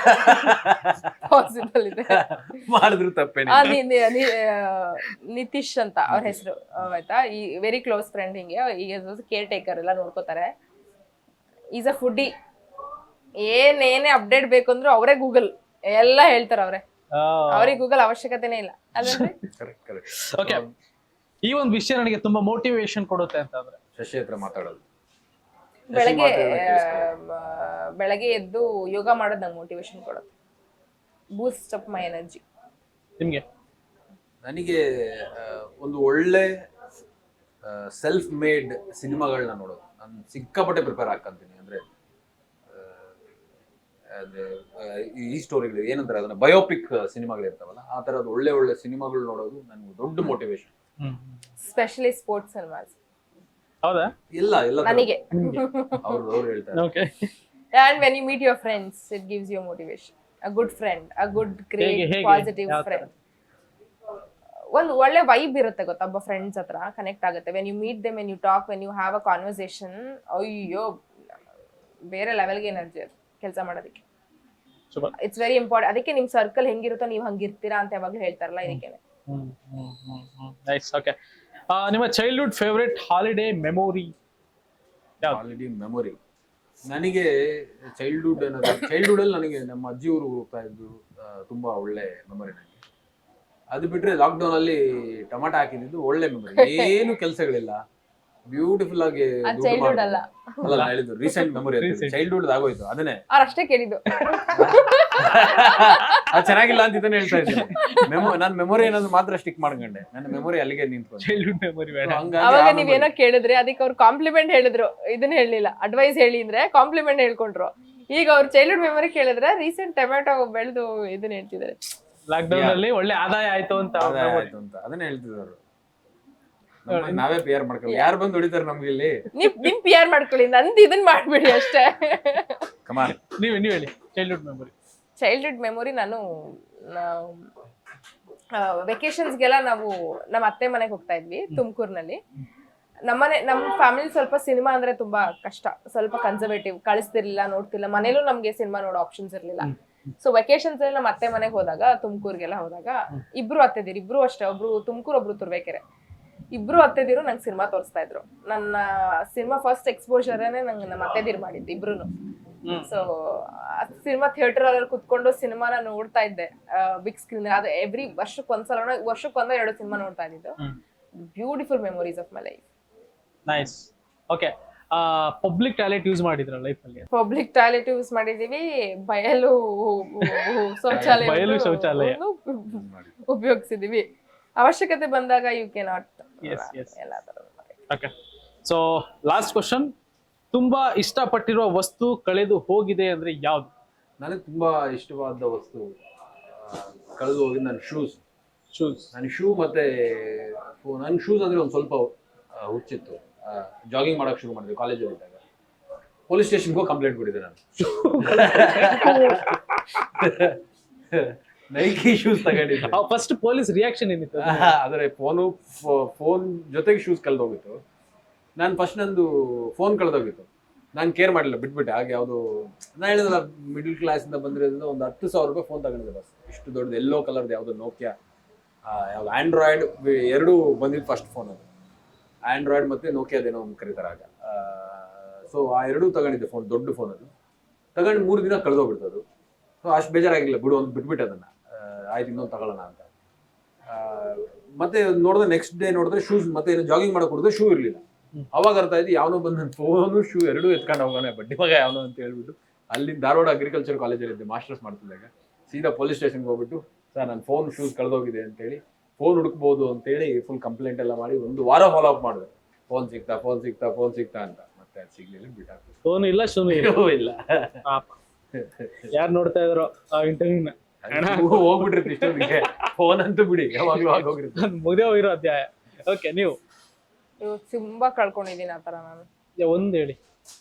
S2: ಪಾಸಿಬಲ್ ಇದೆ.
S1: ಮಾಡಿದ್ರು ತಪ್ಪೇನಿಲ್ಲ.
S2: ಆ, ನಿ- ನಿ- ನಿ- ಆ, ನಿತೀಶ್ ಅಂತ ಅವ್ರ ಹೆಸರು, ಆಯ್ತಾ, ಈ ವೆರಿ ಕ್ಲೋಸ್ ಫ್ರೆಂಡ್. ಹಿಂಗೆ ಈಗ ಕೇರ್ ಟೇಕರ್ ಎಲ್ಲ ನೋಡ್ಕೋತಾರೆ. Is a foodie. ಏನೇನೇ ಅಪ್ಡೇಟ್ ಬೇಕು ಅಂದ್ರೂ ಅವರೇ ಗೂಗಲ್ ಎಲ್ಲ ಹೇಳ್ತಾರ. ಅವ್ರೆ ಅವ್ರಿಗೆ ಗೂಗಲ್ ಅವಶ್ಯಕತೆನೇ ಇಲ್ಲ ಅಲ್ವೇನ್ರಿ?
S1: Correct correct.
S3: ಓಕೆ, ಈ ಒಂದು ವಿಷಯ ನನಗೆ ತುಂಬಾ ಮೋಟಿವೇಶನ್ ಕೊಡುತ್ತೆ ಅಂತ ಅಂದ್ರೆ
S1: ಶಶಿ ಹತ್ರ ಮಾತಾಡೋದು.
S2: ಬೆಳಗ್ಗೆ ಆ, ಬೆಳಗ್ಗೆ ಎದ್ದು ಯೋಗ ಮಾಡೋದು ನಂಗೆ ಮೋಟಿವೇಶನ್ ಕೊಡುತ್ತೆ. Boost up my energy.
S3: ನಿಮ್ಗೆ
S1: ನನಗೆ ಆ, ಒಂದು ಒಳ್ಳೆ ಸೆಲ್ಫ್ ಮೇಡ್ ಸಿನಿಮಾಗಳನ್ನ ನೋಡೋದು. ನಾನು ಸಿಕ್ಕಾಪಟ್ಟೆ ಪ್ರಿಪೇರ್ ಹಾಕಂತೀನಿ. ಅಂದ್ರೆ ಆ, ಅದೇ ಆ, ಈ ಸ್ಟೋರಿಗಳು ಏನಂತಾರೆ ಅದನ್ನ ಬಯೋಪಿಕ್ ಸಿನಿಮಾಗಳಿರ್ತಾವಲ್ಲ, ಆ ತರದ ಒಳ್ಳೆ ಒಳ್ಳೆ ಸಿನಿಮಾಗಳು ನೋಡೋದು ನನಗೆ ದೊಡ್ಡ ಮೋಟಿವೇಶನ್.
S2: Specially sports cinemas.
S3: ಹೌದಾ?
S1: ಇಲ್ಲ ಇಲ್ಲ
S2: ನನಗೆ
S1: ಅವ್ರು ಅವ್ರು ಹೇಳ್ತಾರೆ.
S3: Okay.
S2: and when you meet your friends it gives you motivation. a good friend, a good great
S3: ಹೇಗೆ, ಹೇಗೆ?
S2: positive
S3: ಯಾವ ತರ?
S2: friend. ಒಂದು ಒಳ್ಳೆ ವೈಬ್ ಇರುತ್ತೆ ಗೊತ್ತಾ ಒಬ್ಬ ಫ್ರೆಂಡ್ಸ್ ಹತ್ರ ಕನೆಕ್ಟ್ ಆಗುತ್ತೆ. When you meet them, when you talk, when you have a conversation, ಅಯ್ಯೋ ಬೇರೆ ಲೆವೆಲ್ಗೆ ಎನರ್ಜಿ ಅದು ಕೆಲಸ ಮಾಡೋದಕ್ಕೆ.
S3: ಸೂಪರ್.
S2: It's very important. ಅದಕ್ಕೆ ನಿಮ್ ಸರ್ಕಲ್ ಹೆಂಗಿರುತ್ತೋ ನೀವು ಹಂಗಿರ್ತೀರಾ ಅಂತ ಯಾವಾಗ್ಲೂ ಹೇಳ್ತಾರಲ್ಲ, ಇದಕ್ಕೆ.
S3: ನೈಸ್. ಓಕೆ, ನಿಮ್ಮ ಚೈಲ್ಡ್ಹುಡ್ ಫೇವರೇಟ್ ಹಾಲಿಡೇ ಮೆಮೊರಿ ಯಾವ್ದು?
S1: ಹಾಲಿಡೇ ಮೆಮೊರಿ ನನಗೆ ಚೈಲ್ಡ್ಹುಡ್ ಅನ್ನೋದು, ಚೈಲ್ಡ್ಹುಡ್ ಅಲ್ಲಿ ನನಗೆ ನಮ್ಮ ಅಜ್ಜಿ ಊರು ಹೋಗ್ತಾ ಇದ್ದು ಆ, ತುಂಬಾ ಒಳ್ಳೆ ಮೆಮೊರಿ ನನಗೆ. ಅದು ಬಿಟ್ರೆ ಲಾಕ್ಡೌನ್ ಅಲ್ಲಿ ಟೊಮಾಟೊ ಹಾಕಿದ್ದು ಒಳ್ಳೆ ಮೆಮೊರಿ. ಏನು ಕೆಲಸಗಳಿಲ್ಲ, ಬ್ಯೂಟಿಫುಲ್ ಆಗಿ ದುಡ್ಡು
S2: ಚೈಲ್ಡ್ಹುಡ್
S1: ಮಾಡೋದು.
S2: ಅಲ್ಲ
S1: ಅಲ್ಲ ನಾನು ಹೇಳಿದ್ದು ರೀಸೆಂಟ್ ಮೆಮೊರಿ. ಚೈಲ್ಡ್ಹುಡ್ ಆಗೋಯ್ತು ಅದನ್ನೇ.
S2: ಅವ್ರು ಅಷ್ಟೇ ಕೇಳಿದ್ದು.
S1: ಅದು ಚೆನ್ನಾಗಿಲ್ಲ ಅಂತ ಇದನ್ನ ಹೇಳ್ತಾ ಇದ್ದೀನಿ. ಮೆಮೊ ನನ್ನ ಮೆಮೊರಿ ಏನಾದ್ರು ಮಾತ್ರ ಸ್ಟಿಕ್ ಮಾಡ್ಕೊಂಡೆ. ನನ್ನ ಮೆಮೊರಿ ಅಲ್ಲಿಗೆ ನಿಂತ್ಕೊಂಡು.
S3: ಚೈಲ್ಡ್ಹುಡ್ ಮೆಮೊರಿ ಬೇಡ.
S2: ಅವಾಗ ನೀವೇನೋ ಕೇಳಿದ್ರಿ, ಅದಕ್ಕೆ ಅವ್ರು ಕಾಂಪ್ಲಿಮೆಂಟ್ ಹೇಳಿದ್ರು, ಇದನ್ನ ಹೇಳಿಲ್ಲ. ಅಡ್ವೈಸ್ ಹೇಳಿ ಅಂದ್ರೆ ಕಾಂಪ್ಲಿಮೆಂಟ್ ಹೇಳ್ಕೊಂಡ್ರು. ಈಗ ಅವ್ರು ಚೈಲ್ಡ್ಹುಡ್ ಮೆಮೊರಿ ಕೇಳಿದ್ರೆ ರೀಸೆಂಟ್ ಟೊಮೆಟೊ ಬೆಳೆದು ಇದನ್ನ ಹೇಳ್ತಿದ್ದಾರೆ.
S3: ಲಾಕ್ಡೌನ್ ಅಲ್ಲಿ ಒಳ್ಳೆ ಆದಾಯ ಆಯ್ತು ಅಂತ ಅವ್ರ memory.
S1: ಆಯ್ತು ಅಂತ ಅದನ್ನೇ ಹೇಳ್ತಿದ್ರು. ನಮ್ಮನ್ನ ನಾವೇ ಪಿ ಆರ್ ಮಾಡ್ಕೊಳ್ಳಿ. ಯಾರು ಬಂದು ಹೊಡಿತಾರೆ ನಮ್ಗೆ ಇಲ್ಲಿ?
S2: ನಿಮ್ ನಿಮ್ ಪಿ ಆರ್ ಮಾಡ್ಕೊಳ್ಳಿ, ನಂದು ಇದನ್ನ ಮಾಡ್ಬಿಡಿ ಅಷ್ಟೇ.
S1: ಕಮಾನ್.
S3: ನೀವ್ ನೀವ್ ಹೇಳಿ ಚೈಲ್ಡ್ಹುಡ್ ಮೆಮೊರಿ.
S2: ಚೈಲ್ಡ್ಹುಡ್ ಮೆಮೊರಿ ನಾನು ವೆಕೇಶನ್ಸ್ಗೆಲ್ಲ ನಾವು ನಮ್ಮ ಅತ್ತೆ ಮನೆಗೆ ಹೋಗ್ತಾ ಇದ್ವಿ ತುಮಕೂರಿನಲ್ಲಿ. ನಮ್ಮನೆ ನಮ್ಮ ಫ್ಯಾಮಿಲಿ ಸ್ವಲ್ಪ ಸಿನಿಮಾ ಅಂದ್ರೆ ತುಂಬಾ ಕಷ್ಟ, ಸ್ವಲ್ಪ ಕನ್ಸರ್ವೇಟಿವ್, ಕಳಿಸ್ತಿರ್ಲಿಲ್ಲ, ನೋಡ್ತಿಲ್ಲ. ಮನೇಲೂ ನಮ್ಗೆ ಸಿನಿಮಾ ನೋಡೋ ಆಪ್ಷನ್ಸ್ ಇರ್ಲಿಲ್ಲ. ಸೊ ವೆಕೇಶನ್ಸ್ ಅಲ್ಲಿ ನಮ್ಮ ಅತ್ತೆ ಮನೆಗೆ ಹೋದಾಗ, ತುಮಕೂರ್ಗೆಲ್ಲ ಹೋದಾಗ, ಇಬ್ರು ಅತ್ತೆದಿರು, ಇಬ್ರು ಅಷ್ಟೇ, ಒಬ್ರು ತುಮಕೂರು, ಒಬ್ರು ತುರ್ಬೇಕೆರೆ, ಇಬ್ರು ಅತ್ತೆದಿರು ನಂಗೆ ಸಿನಿಮಾ ತೋರಿಸ್ತಾ ಇದ್ರು. ನನ್ನ ಸಿನಿಮಾ ಫಸ್ಟ್ ಎಕ್ಸ್ಪೋಜರೇ ನಂಗೆ ನಮ್ಮ ಅತ್ತೆದಿರು ಮಾಡಿದ್ದು ಇಬ್ರುನು. ಸೊ ಸಿನಿಮಾ ಥಿಯೇಟರ್ ಅಲ್ಲಿ ಕುತ್ಕೊಂಡು ಸಿನಿಮಾನ ನೋಡ್ತಾ ಇದ್ದೆ ಬಿಗ್ ಸ್ಕ್ರೀನ್. ಅದು ಎವ್ರಿ ವರ್ಷಕ್ಕೆ ಒಂದ್ಸಲ, ವರ್ಷಕ್ಕೊಂದ ಎರಡು ಸಿನಿಮಾ ನೋಡ್ತಾ ಇದ್ದಿದ್ದು. Beautiful memories of my life.
S3: Nice. Okay, public toilet use ಮಾಡಿದ್ರ ಲೈಫ್ ಅಲ್ಲಿ?
S2: ಪಬ್ಲಿಕ್ ಟಾಯ್ಲೆಟ್ ಯೂಸ್ ಮಾಡಿದೀವಿ, ಬಯಲು ಶೌಚಾಲಯ
S3: ಬಯಲು ಶೌಚಾಲಯ
S2: ಉಪಯೋಗಿಸಿದೀವಿ. ಅವಶ್ಯಕತೆ ಬಂದಾಗ you can not.
S3: Yes, yes.
S2: ಎಲ್ಲ ತರ.
S3: Okay, so last question. ತುಂಬಾ ಇಷ್ಟಪಟ್ಟಿರುವ ವಸ್ತು ಕಳೆದು ಹೋಗಿದೆ ಅಂದ್ರೆ ಯಾವ್ದು?
S1: ನನಗೆ ತುಂಬಾ ಇಷ್ಟವಾದ ವಸ್ತು ಕಳೆದು ಹೋಗಿ ನನ್ನ ಶೂಸ್.
S3: ಶೂಸ್.
S1: ನನ್ನ ಶೂ ಮತ್ತೆ ನನ್ನ ಶೂಸ್ ಅಂದ್ರೆ ಒಂದು ಸ್ವಲ್ಪ ಆ, ಹುಚ್ಚಿತ್ತು. ಜಾಗಿಂಗ್ ಮಾಡಕ್ ಶುರು ಮಾಡಿದ್ವಿ ಕಾಲೇಜಲ್ಲಿ ಇದ್ದಾಗ. ಪೊಲೀಸ್ ಸ್ಟೇಷನ್ಗೂ ಕಂಪ್ಲೇಂಟ್ ಕೊಟ್ಟಿದ್ದೆ ನಾನು. ನೈಕಿ ಶೂಸ್ ತಗೊಂಡಿದ್ದೆ.
S3: ಫಸ್ಟ್ ಪೊಲೀಸ್ ರಿಯಾಕ್ಷನ್ ಏನಿತ್ತು?
S1: ಆದರೆ ಫೋನು ಫೋನ್ ಜೊತೆಗೆ ಶೂಸ್ ಕಳೆದೋಗಿತ್ತು. ನಾನು ಫಸ್ಟ್ ನಂದು ಫೋನ್ ಕಳೆದೋಗಿತ್ತು. ನಾನು ಕೇರ್ ಮಾಡಿಲ್ಲ, ಬಿಟ್ಬಿಟ್ಟೆ. ಹಾಗೆ ಯಾವುದು ನಾನು ಹೇಳಿದ್ರಲ್ಲ, ಮಿಡಲ್ ಕ್ಲಾಸಿಂದ ಬಂದಿರೋದ್ರಿಂದ ಒಂದು ಹತ್ತು ಸಾವಿರ ರೂಪಾಯಿ ಫೋನ್ ತಗೊಂಡಿದ್ದೆ ಬಸ್. ಇಷ್ಟು ದೊಡ್ಡದು ಎಲ್ಲೋ ಕಲರ್ದು ಯಾವುದು ನೋಕಿಯಾ, ಯಾವುದು ಆ್ಯಂಡ್ರಾಯ್ಡ್ ಎರಡೂ ಬಂದಿದ್ದು ಫಸ್ಟ್ ಫೋನ್ ಅದು. ಆ್ಯಂಡ್ರಾಯ್ಡ್ ಮತ್ತು ನೋಕಿಯಾದೇನೋ ಒಂದು ಕರೀತಾರೆ ಆಗ. ಸೊ ಆ ಎರಡೂ ತಗೊಂಡಿದ್ದೆ ಫೋನ್, ದೊಡ್ಡ ಫೋನ್ ಅದು. ತಗೊಂಡು ಮೂರು ದಿನ ಕಳೆದೋಗ್ಬಿಡ್ತು ಅದು. ಸೊ ಅಷ್ಟು ಬೇಜಾರಾಗಿಲ್ಲ, ಬಿಡು ಒಂದು ಬಿಟ್ಬಿಟ್ಟೆ ಅದನ್ನು. ಆಯ್ತು ಇನ್ನೊಂದು ತಗೊಳ್ಳೋಣ ಅಂತ. ಮತ್ತೆ ನೋಡಿದ್ರೆ ನೆಕ್ಸ್ಟ್ ಡೇ ನೋಡಿದ್ರೆ ಶೂಸ್, ಮತ್ತೆ ಏನು ಜಾಗಿಂಗ್ ಮಾಡಕ್ಕೆ ಕೊಡಿದ್ರೆ ಶೂ ಇರಲಿಲ್ಲ. ಅವಾಗ ಅರ್ಥ ಆಯ್ತು ಯಾವನೋ ಬಂದು ನನ್ನ ಫೋನು ಶೂ ಎರಡೂ ಎತ್ಕೊಂಡು ಹೋಗೋಣ ಬಡ್ಡಿ ಮಗ ಯಾವನೋ ಅಂತ ಹೇಳ್ಬಿಟ್ಟು, ಅಲ್ಲಿ ಧಾರವಾಡ ಅಗ್ರಿಕಲ್ಚರ್ ಕಾಲೇಜಲ್ಲಿ ಇದ್ದೆ, ಮಾಸ್ಟರ್ಸ್ ಮಾಡ್ತಿದ್ದಾಗ. ಸೀದಾ ಪೊಲೀಸ್ ಸ್ಟೇಷನ್ಗೆ ಹೋಗ್ಬಿಟ್ಟು, ಸರ್ ನನ್ನ ಫೋನ್ ಶೂಸ್ ಕಳೆದೋಗಿದೆ ಅಂತೇಳಿ, ಫೋನ್ ಹುಡುಕ್ಬೋದು ಅಂತೇಳಿ ಫುಲ್ ಕಂಪ್ಲೇಂಟ್ ಎಲ್ಲ ಮಾಡಿ ಒಂದು ವಾರ ಫಾಲೋ ಅಪ್ ಮಾಡಿದೆ. ಫೋನ್ ಸಿಗ್ತಾ ಫೋನ್ ಸಿಗ್ತಾ ಫೋನ್ ಸಿಗ್ತಾ ಅಂತ. ಮತ್ತೆ ಅದು ಸಿಗ್ಲಿಲ್ಲ, ಬಿಟ್ಟಾಕ್ತು.
S3: ಫೋನ್ ಇಲ್ಲ, ಶೂನು ಇಲ್ಲ. ಯಾರು ನೋಡ್ತಾ ಇದ್ರು ಆ ಇಂಟರ್ವ್ಯೂನ,
S1: ಹೋಗ್ಬಿಟ್ಟಿರ್ತಿ ಇಷ್ಟೊಂದಿಗೆ. ಫೋನ್ ಅಂತೂ ಬಿಡಿ, ಯಾವಾಗ್ಲೂ ಆಗೋಗಿರುತ್ತೆ.
S3: ಮುಗ್ದೇ ಹೋಗಿರೋ ಅಧ್ಯಾಯ. ಓಕೆ, ನೀವು
S2: ಇವು ತುಂಬಾ ಕಳ್ಕೊಂಡಿದ್ದೀನಿ ಆ ಥರ ನಾನು.
S3: ಒಂದ್ ಹೇಳಿ.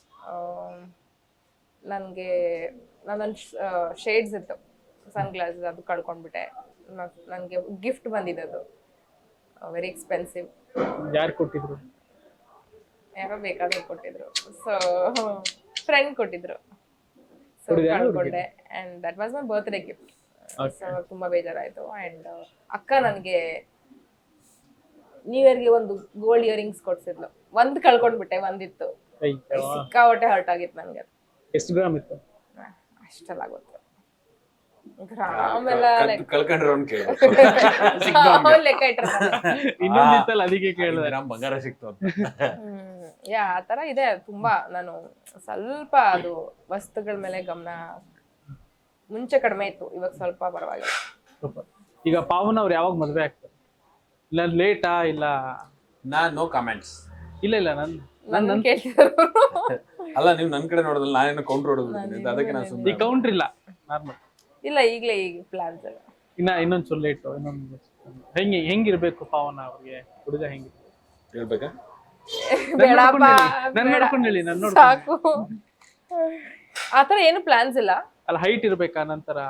S2: ನನಗೆ ನನ್ನೊಂದು ಶೇಡ್ಸ್ ಇತ್ತು, ಸನ್ ಗ್ಲಾಸಸ್, ಅದು ಕಳ್ಕೊಂಡ್ಬಿಟ್ಟೆ. ನನಗೆ ಗಿಫ್ಟ್ ಬಂದಿದ್ದು, ವೆರಿ ಎಕ್ಸ್ಪೆನ್ಸಿವ್.
S3: ಯಾರು ಕೊಟ್ಟಿದ್ರು?
S2: ಯಾರೋ ಬೇಕಾದ್ರೆ ಕೊಟ್ಟಿದ್ರು. ಸೊ ಫ್ರೆಂಡ್ ಕೊಟ್ಟಿದ್ರು. ಸೊ
S3: ಕೊಟ್ಟಿದ್ದು ಯಾರು
S2: ಕಳ್ಕೊಂಡೆ. And that was my birthday gift. So ತುಂಬಾ ಬೇಜಾರಾಯ್ತು. ಅಂಡ್ ಅಕ್ಕ ನನಗೆ ನ್ಯೂ ಇಯರ್ಗೆ ಒಂದು ಗೋಲ್ಡ್ ಇಯರಿಂಗ್ಸ್ ಕೊಡ್ಸಿದ್ಲು. ಒಂದ್ ಕಳ್ಕೊಂಡ್ಬಿಟ್ಟೆ, ಒಂದಿತ್ತು.
S3: ಅಯ್ಯೋ,
S2: ಸಿಕ್ಕಾಪಟ್ಟೆ ಹರ್ಟ್ ಆಗಿತ್ತು ನನಗೆ.
S3: ಎಷ್ಟು ಗ್ರಾಮ್ ಇತ್ತು?
S2: ಅಷ್ಟೆಲ್ಲ ಗೊತ್ತು. ಗ್ರಾಮ್ ಎಲ್ಲ
S1: ಕಳ್ಕೊಂಡ್ರೆ ಅವ್ನು ಕೇಳಿ
S2: ಅವ್ನ್ ಲೆಕ್ಕ ಇಟ್ಟಿರ್ತಾನೆ.
S3: ಇನ್ನೊಂದಿತ್ತಲ್ಲ, ಅದಕ್ಕೆ ಕೇಳಿದೆ.
S1: ನಮ್ ಬಂಗಾರ ಸಿಕ್ತು ಅಂತ.
S2: ಹ್ಮ್ ಯಾ ಆ ತರ ಇದೆ ತುಂಬಾ. ನಾನು ಸ್ವಲ್ಪ ಅದು ವಸ್ತುಗಳ ಮೇಲೆ ಗಮನ ಮುಂಚೆ ಕಡಿಮೆ ಇತ್ತು, ಇವಾಗ ಸ್ವಲ್ಪ ಪರವಾಗಿಲ್ಲ.
S3: ಈಗ ಪಾವನ್ ಅವ್ರು ಯಾವಾಗ ಮದ್ವೆ ಆಗ್ತಾರೆ? ಇಲ್ಲ ಲೇಟಾ? ಇಲ್ಲ
S1: ನಾನ್ ನೋ ಕಮೆಂಟ್ಸ್.
S3: ಇಲ್ಲ ಇಲ್ಲ ನನ್
S2: ನನ್ನ ಕೇಳ್ತಿದ್ರು.
S1: ಅಲ್ಲ, ನೀವು ನನ್ ಕಡೆ ನೋಡೋದಲ್ಲ, ನಾನೇನು ಕೌಂಟರ್ ಹೊಡೋದು, ಅದಕ್ಕೆ ನಾನು
S3: ಈ
S1: ಸುಮ್ಮನೆ.
S3: ಕೌಂಟ್ರ್ ಇಲ್ಲ, ನಾರ್ಮಲ್.
S2: ಇಲ್ಲ, ಈಗ್ಲೇ ಈಗ ಪ್ಲಾನ್ಸ್ ಎಲ್ಲ.
S3: ಇನ್ನ ಇನ್ನೊಂದ್ ಸ್ವಲ್ಪ ಲೇಟು. ಇನ್ನೊಂದು ಹೆಂಗೆ ಹೆಂಗಿರ್ಬೇಕು ಪಾವನ ಅವ್ರಿಗೆ? ಹುಡುಗ ಹೆಂಗಿರ್ಬೇಕು
S1: ಹೇಳ್ಬೇಕಾ?
S2: ಬೇಡಪ್ಪ,
S3: ನನ್
S2: ಬೇಡ.
S3: ನೋಡ್ಕೊಂಡು ಹೇಳಿ, ನನ್ ನೋಡ್ಕೊಂಡು.
S2: ಸಾಕು. ಆತರ ಏನು ಪ್ಲಾನ್ಸ್ ಇಲ್ಲ.
S3: ಅಲ್ಲ, ಹೈಟ್ ಇರ್ಬೇಕಾ? ನಂತರ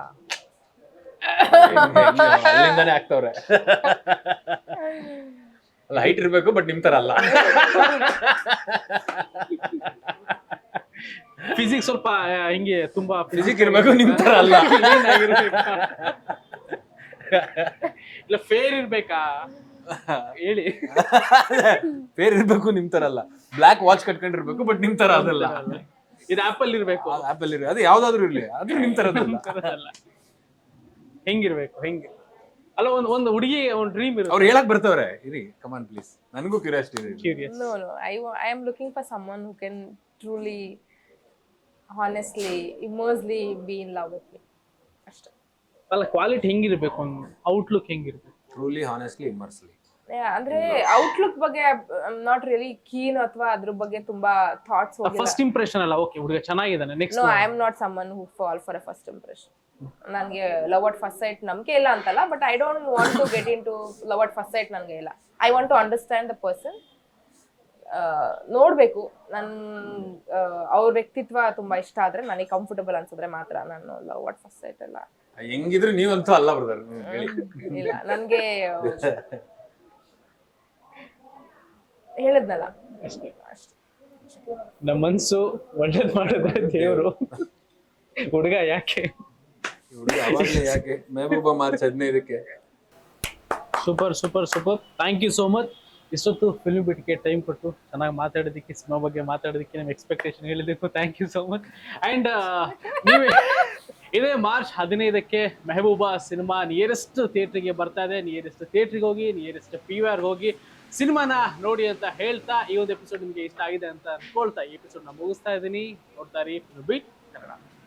S1: ಅಲ್ಲಿಂದಾನೇ ಆಗ್ತವ್ರೆ. ಅಲ್ಲ, ಹೈಟ್ ಇರ್ಬೇಕು, ಬಟ್ ನಿಮ್ ತರ ಅಲ್ಲ.
S3: ಫಿಸಿಕ್ಸ್ ಸ್ವಲ್ಪ ಹಿಂಗೆ ತುಂಬಾ
S1: ಫಿಸಿಕ್ ಇರ್ಬೇಕು, ನಿಮ್ ತರ ಅಲ್ಲ.
S3: ಇಲ್ಲ ಫೇರ್ ಇರ್ಬೇಕಾ ಹೇಳಿ.
S1: ಫೇರ್ ಇರ್ಬೇಕು, ನಿಮ್ ತರ ಅಲ್ಲ. ಬ್ಲಾಕ್ ವಾಚ್ ಕಟ್ಕೊಂಡಿರ್ಬೇಕು, ಬಟ್ ನಿಮ್ ತರ ಅದಲ್ಲ.
S3: ಇದು ಆಪಲ್ ಇರ್ಬೇಕು.
S1: ಆಪಲ್ ಇರ್ಬೇಕು, ಅದು ಯಾವ್ದಾದ್ರು ಇರ್ಲಿ, ಅದು ನಿಮ್ ತರದಲ್ಲ.
S3: ಹೆಂಗಿರ್ಬೇಕು? ಹೆಂಗೆ? ಅಲ್ಲ, ಒಂದ್ ಒಂದು ಹುಡುಗಿ ಒಂದ್ ಡ್ರೀಮ್ ಇರುತ್ತೆ.
S1: ಅವ್ರು ಹೇಳಕ್ ಬರ್ತವ್ರೆ, ಇರಿ ಕಮಾನ್ ಪ್ಲೀಸ್, ನನಗೂ ಕ್ಯೂರಿಯಾಸಿಟಿ ಇದೆ.
S3: Curious.
S2: No, no. I, wa- I am looking for someone who can truly, honestly, immersely be in love with me. ಅಷ್ಟೇ.
S3: ಅಲ್ಲ, ಕ್ವಾಲಿಟಿ ಹೆಂಗಿರ್ಬೇಕು? ಒಂದು ಔಟ್ಲುಕ್ ಹೆಂಗಿರ್ಬೇಕು?
S1: Truly, honestly, immensely.
S2: Yeah, ಅಂದ್ರೆ ಔಟ್ಲುಕ್ ಬಗ್ಗೆ ನಾಟ್ ರಿಯಲಿ ಕೀನ್, ಅಥವಾ ಅದ್ರ ಬಗ್ಗೆ ತುಂಬಾ ಥಾಟ್ಸ್ ಹೋಗಿಲ್ಲ.
S3: ಫಸ್ಟ್ ಇಂಪ್ರೆಷನ್ ಅಲ್ಲ, ಓಕೆ ಹುಡುಗ ಚೆನ್ನಾಗಿದ್ದಾನೆ, next.
S2: No, I am not someone who fall for a first impression. ನನಗೆ ಲವ್ ಅಟ್ ಫಸ್ಟ್ ಸೈಟ್ ನಂಬಿಕೆ ಇಲ್ಲ ಅಂತಲ್ಲ, but I don't want to get into love at first sight. ನನಗೆ ಇಲ್ಲ. I want to understand the person. ನೋಡ್ಬೇಕು, ನನ್ ಅವ್ರ ವ್ಯಕ್ತಿತ್ವ ತುಂಬಾ ಇಷ್ಟ ಆದ್ರೆ, ನನಗೆ ಕಂಫರ್ಟಬಲ್ ಅನ್ಸಿದ್ರೆ ಮಾತ್ರ ನಾನು ಲವ್ ಅಟ್ ಫಸ್ಟ್ ಸೈಟ್ ಎಲ್ಲ.
S1: ಹೆಂಗಿದ್ರು ನೀವಂತೂ ಅಲ್ಲ ಬ್ರದರ್, ಹೇಳಿ.
S2: ಇಲ್ಲ, ನನ್ಗೆ ಹೇಳಿದ್ನಲ್ಲ
S3: ಅಷ್ಟೇ. ನಮ್ಮ ಮನ್ಸು ಒಳ್ಳೇದ್ ಮಾಡಿದ್ರೆ ದೇವ್ರು. ಹುಡುಗ ಯಾಕೆ?
S1: ಹುಡುಗ ಅವಾಗ್ಲೇ ಯಾಕೆ? ಮೆಹಬೂಬಾ ಮಾರ್ಚ್ ಹದಿನೈದಕ್ಕೆ.
S3: Super super super. Thank you so much. ಇಷ್ಟೊತ್ತು ಫಿಲ್ಮ್ ಬಿಟ್ಗೆ ಟೈಮ್ ಕೊಟ್ಟು ಚೆನ್ನಾಗಿ ಮಾತಾಡೋದಕ್ಕೆ, ಸಿನಿಮಾ ಬಗ್ಗೆ ಮಾತಾಡೋದಕ್ಕೆ, ನಮ್ಮ ಎಕ್ಸ್ಪೆಕ್ಟೇಷನ್ ಹೇಳಿದ್ದಕ್ಕೂ thank you so much. And ನೀವೇ ಇದೇ ಮಾರ್ಚ್ ಹದಿನೈದಕ್ಕೆ ಮೆಹಬೂಬಾ ಸಿನಿಮಾ ನಿಯರೆಸ್ಟ್ ಥಿಯೇಟ್ರಿಗೆ ಬರ್ತಾ ಇದೆ. ನಿಯರೆಸ್ಟ್ ಥಿಯೇಟ್ರಿಗೆ ಹೋಗಿ, ನಿಯರೆಸ್ಟ್ ಪಿ ವಿ ಆರ್ಗೆ ಹೋಗಿ ಸಿನಿಮಾನ ನೋಡಿ ಅಂತ ಹೇಳ್ತಾ, ಈ ಒಂದು ಎಪಿಸೋಡ್ ನಿಮಗೆ ಇಷ್ಟ ಆಗಿದೆ ಅಂತ ಅನ್ಕೊಳ್ತಾ ಈ ಎಪಿಸೋಡ್ನ ಮುಗಿಸ್ತಾ ಇದ್ದೀನಿ. ನೋಡ್ತಾ ಇರಿ ಫಿಲ್ಮ್ ಬೀಟ್ ಕನ್ನಡ.